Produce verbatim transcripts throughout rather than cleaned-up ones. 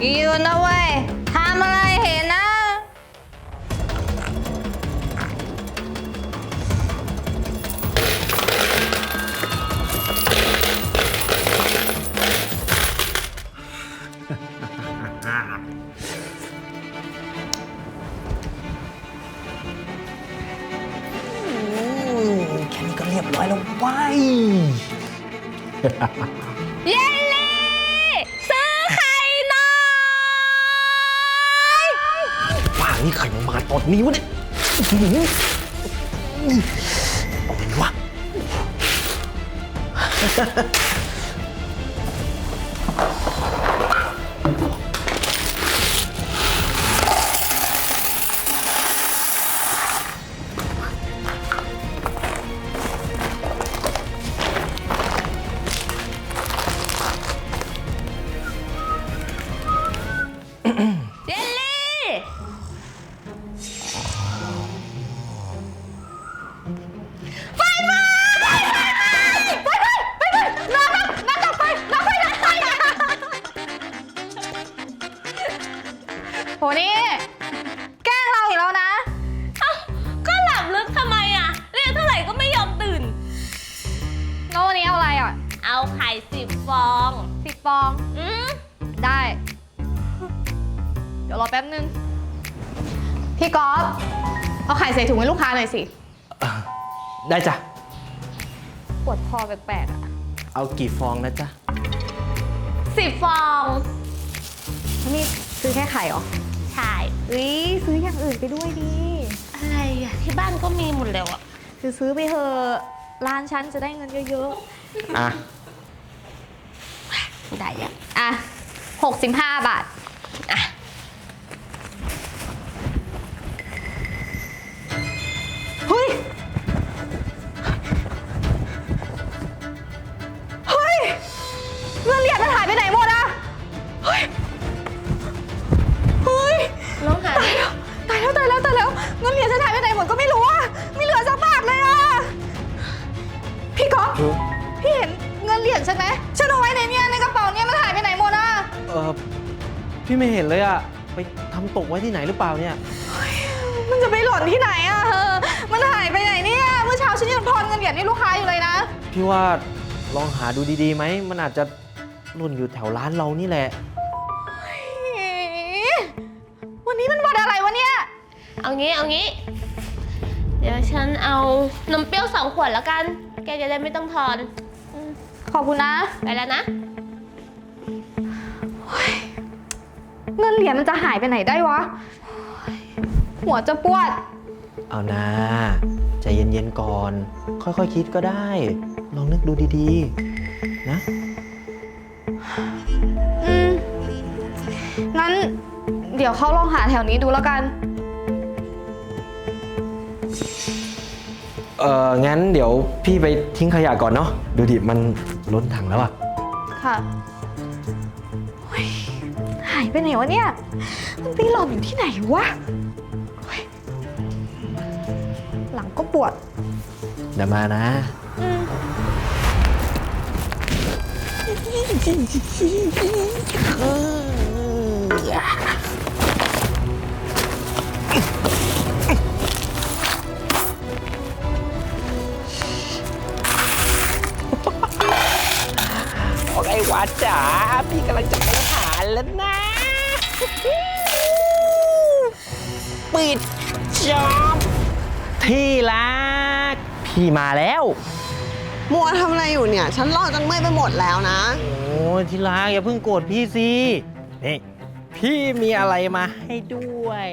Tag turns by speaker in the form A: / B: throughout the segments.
A: ยืนนะเว้ยทำอะไรเห็นนะ
B: แค่นี้ก็เรียบร้อยแล้วไป
A: เยลลี่ซื้อไข่หน่อย
B: ว่านี่ไข่มาตอนนี้วะเนี่ยเอาไงวะ
A: เยลลี่ไฟไหม้ไฟไหม้ไฟไหม้ไฟไหม้น้ำน้ำน้ำดับไฟน้ำไฟน้ำไฟโหนี่แกล้งเราอีกแล้วนะเอ้าก็หลับลึกทำไมอ่ะเรียกเท่าไหร่ก็ไม่ยอมตื่นแล้ววันนี้เอาอะไรอ่ะเอาไข่สิบฟองสิบฟองอืมได้เดี๋ยวรอแป๊บนึงพี่ก๊อฟเอาไข่ใส่ถุงให้ลูกค้าหน่อยสิ
B: ได้จ้ะ
A: ปวดคอแปลกๆอ่ะ
B: เอากี่ฟองนะจ๊ะ
A: สิบฟองนี่ซื้อแค่ไข่เหรอใช่อุ้ยซื้ออย่างอื่นไปด้วยดีอะไรอ่ะที่บ้านก็มีหมดแล้วอ่ะคือซื้อไปเถอะร้านฉันจะได้เงินเยอะ
B: ๆอ่ะ
A: ได้อ่ะอ่ะหกสิบห้าบาทอ่ะเฮ้ยเฮ้ยเงินเหรียญมันหายไปไหนหมดอะเฮ้ยเฮ้ยลองหาตายแล้วตายแล้วตายแล้วเงินเหรียญฉันหายไปไหนหมดก็ไม่รู้อะไม่เหลือสักบาทเลยอะพี่ก๊อฟพี่เห็นเงินเหรียญฉันไหมฉันเอาไว้ในเนี่ยในกระเป๋าเนี่ยมันหายไปไหนหมดอะ
B: เออพี่ไม่เห็นเลยอะไปทำตกไว้ที่ไหนหรือเปล่าเนี่ย
A: มันจะไปหล่นที่ไหนอะเออมันหายไปไหนเนี่ยเมื่อเช้าฉันยังทอนเงินเหรียญให้ลูกค้าอยู่เลยนะ
B: พี่ว่าลองหาดูดีๆไหมมันอาจจะหล่นอยู่แถวร้านเรานี่แหละ
A: วันนี้มันวันอะไรวะเนี่ยเอางี้เอางี้เดี๋ยวฉันเอานมเปรี้ยวสองขวดแล้วกันแกจะได้ไม่ต้องทอนขอบคุณนะไปแล้วนะเงินเหรียญมันจะหายไปไหนได้วะหัวจะปวด
B: เอานะใจเย็นๆก่อนค่อยๆ ค, คิดก็ได้ลองนึกดูดีๆนะ
A: อืมงั้นเดี๋ยวเขาลองหาแถวนี้ดูแล้วกัน
B: เอองั้นเดี๋ยวพี่ไปทิ้งขยะก่อนเนาะดูดิมันล้นถังแล้วอะ
A: ค่ะหายไปไหนวะเนี่ยมันไปหลบอยู่ที่ไหนวะหลังก็ปวด
B: เดี๋ยวมานะโอเควัดจ๋าพี่กำลังจะไปหาแล้วนะปิดจ็อบที่รักพี่มาแล้ว
C: มัวทำอะไรอยู่เนี่ยฉันรอจนเมื่อยไปหมดแล้วนะ
B: โอ้ยที่รักอย่าเพิ่งโกรธพี่สินี่พี่มีอะไรมาให้ด้วย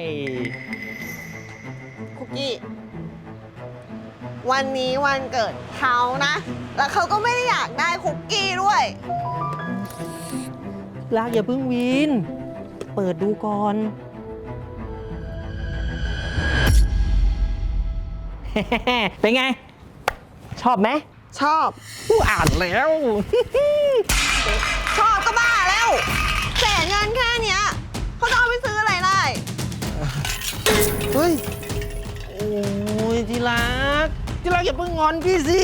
C: คุกกี้วันนี้วันเกิดเขานะแล้วเขาก็ไม่ได้อยากได้คุกกี้ด้วย
B: รักอย่าเพิ่งวินเปิดดูก่อนเป็นไงชอบไหม
C: ชอบ
B: ผู้อ่านแล้ว
C: ชอบก็บ้าแล้วแสนเงินแค่เนี้ยเขาจะเอาไปซื้ออะไรได้เฮ้ย
B: โอ้ยที่รักที่รักอย่าเพิ่งงอนพี่สิ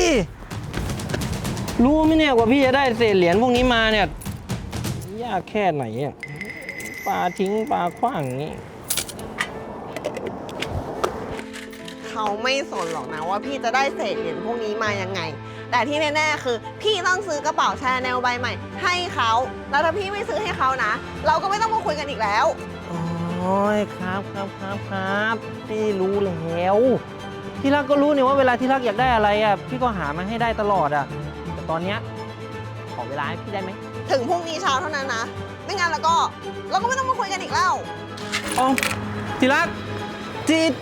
B: รู้ไหมเนี่ยกว่าพี่จะได้เศษเหรียญพวกนี้มาเนี่ยยากแค่ไหนอ่ะปาทิ้งปลาขว้างอย่างนี้
C: เขาไม่สนหรอกนะว่าพี่จะได้เศษเหรียญพวกนี้มายังไง แต่ที่แน่ๆคือ พี่ต้องซื้อกระเป๋าชาแนลใบใหม่ ให้เขาแล้วถ้าพี่ไม่ซื้อให้เขานะ เราก็ไม่ต้องมาคุยกันอีกแล้ว
B: โอ้ยครับครับครับครับพี่รู้แล้วที่รักก็รู้เนี่ยว่าเวลาที่รักอยากได้อะไรอ่ะพี่ก็หามาให้ได้ตลอดอ่ะแต่ตอนเนี้ยขอเวลาให้พี่ได้ไหม
C: ถึงพรุ่งนี้เช้าเท่านั้นนะ ไม่งั้นแล้วก็เราก็ไม่ต้องมาคุยกันอีกแล้ว
B: อ๋อที่รักจีด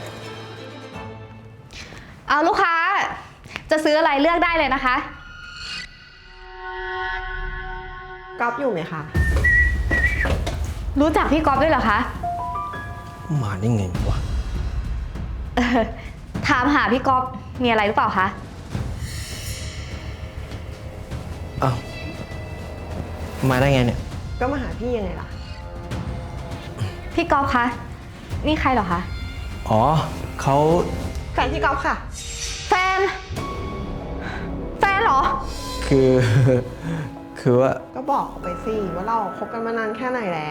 A: เอาลูกค้า จะซื้ออะไรเลือกได้เลยนะคะ
C: ก๊อฟอยู่ไหมคะ
A: รู้จักพี่ก๊อฟด้วยเหรอคะ
B: มาได้ไงวะ
A: เออถามหาพี่ก๊อฟมีอะไรหรือเปล่าคะ
B: อ้าวมาได้ไงเนี่ย
C: ก็มาหาพี่ยังไงล่ะ
A: พี่ก๊อฟคะ นี่ใครเหรอคะ
B: อ๋อเขา
C: แฟนพี่ก๊อฟค่ะ
A: แฟน แฟนเหรอ
B: คือ คือว่า
C: ก็บอกเขาไปสิว่าเราคบกันมานานแค่ไหนแล้ว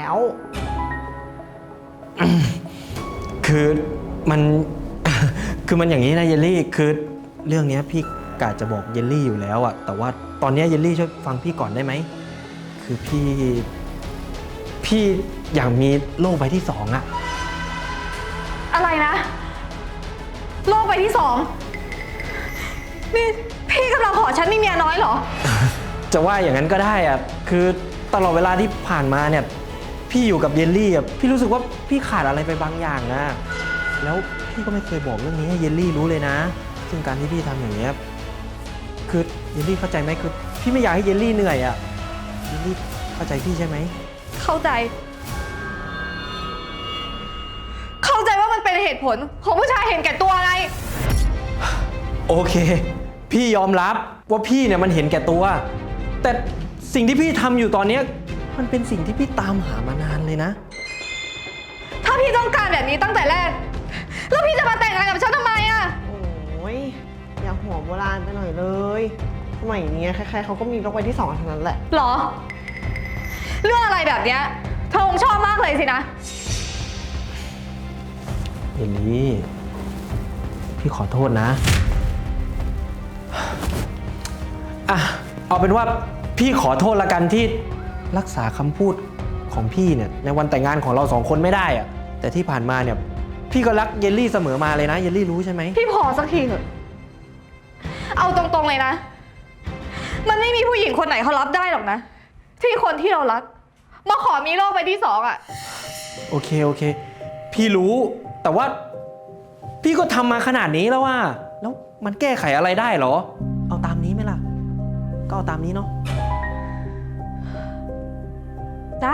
B: คือมัน คือมันอย่างนี้นะเยลลี่คือเรื่องเนี้ยพี่กะจะบอกเยลลี่อยู่แล้วอะแต่ว่าตอนเนี้ยเยลลี่ช่วยฟังพี่ก่อนได้ไหมคือพี่ พี่อยากมีโลกใบที่สองอะ
A: อะไรนะ โลกใบที่สอง นี่พี่กำลังขอฉันมีเมียน้อยเหรอ
B: จะว่าอย่างนั้นก็ได้อะคือตลอดเวลาที่ผ่านมาเนี่ยพี่อยู่กับเยลลี่อะพี่รู้สึกว่าพี่ขาดอะไรไปบางอย่างนะแล้วพี่ก็ไม่เคยบอกเรื่องนี้ให้เยลลี่รู้เลยนะซึ่งการที่พี่ทำอย่างเนี้ยคือเยลลี่เข้าใจไหมคือพี่ไม่อยากให้เยลลี่เหนื่อยอะเยลลี่เข้าใจพี่ใช่ไหม
A: เข้าใจ เข้าใจว่ามันเป็นเหตุผลของผู้ชายเห็นแก่ตัวไง
B: โอเค พี่ยอมรับว่าพี่เนี่ยมันเห็นแก่ตัว แต่สิ่งที่พี่ทำอยู่ตอนเนี้ยมันเป็นสิ่งที่พี่ตามหามานานเลยนะ
A: ถ้าพี่ต้องการแบบนี้ตั้งแต่แรก แล้วพี่จะมาแต่งงานกับฉันทำไมอะ
C: โอ้ยอย่าหัวโบราณไปหน่อยเลยสมัยนี้ใครๆเขาก็มีโลกใบที่สองทั้งนั้นแหละ
A: หรอ เรื่องอะไรแบบเนี้ยเธอคงชอบมากเลยสินะ
B: เยลลี่พี่ขอโทษนะอ่ะเอาเป็นว่าพี่ขอโทษละกันที่รักษาคำพูดของพี่เนี่ยในวันแต่งงานของเราสองคนไม่ได้อะแต่ที่ผ่านมาเนี่ยพี่ก็รักเยลลี่เสมอมาเลยนะเยลลี่รู้ใช่ไหม
A: พี่พอสักทีเถอะ เอาตรงๆเลยนะ มันไม่มีผู้หญิงคนไหนเขารับได้หรอกนะ ที่คนที่เรารักมาขอมีโลกใบที่สองอะ
B: โอเคโอเค พี่รู้แต่ว่าพี่ก็ทำมาขนาดนี้แล้วว่าแล้วมันแก้ไขอะไรได้เหรอ เอาตามนี้ไหมล่ะ ก็เอาตามนี้เนาะ
A: ได้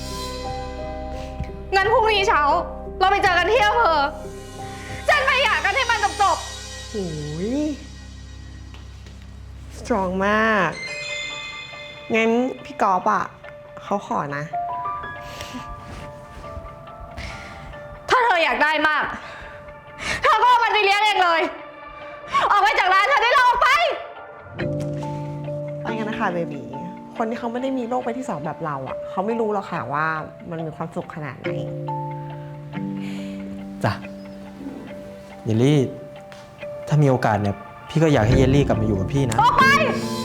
A: งั้นพรุ่งนี้เช้า เราไปเจอกันที่อำเภอฉันไปหย่ากันให้มันจบ
C: โอ้ยสตรองมาก งั้นพี่กอล์ฟอ่ะเขาขอนะ
A: ๆถ้าเธออยากได้มาก เธอก็เอามันไปเลี้ยงเองเลย ออกไปจากร้านเธอได้แล้วออกไป
C: ไปกันนะคะเบบีคนที่เขาไม่ได้มีโลกใบที่สองแบบเราอ่ะ เขาไม่รู้หรอกค่ะว่ามันมีความสุขขนาดไหน
B: จ้ะเยลลี่ ถ้ามีโอกาสเนี่ยพี่ก็อยากให้เยลลี่กลับมาอยู่กับพี่นะ
A: ออกไป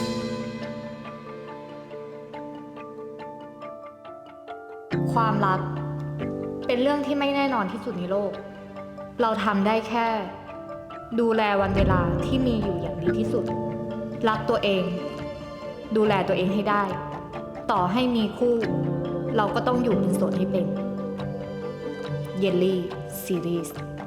A: ความรักเป็นเรื่องที่ไม่แน่นอนที่สุดในโลก เราทำได้แค่ ดูแลวันเวลาที่มีอยู่อย่างดีที่สุด รักตัวเอง ดูแลตัวเองให้ได้ ต่อให้มีคู่ เราก็ต้องอยู่เป็นโสดให้เป็น เยลลี่ซีรีส์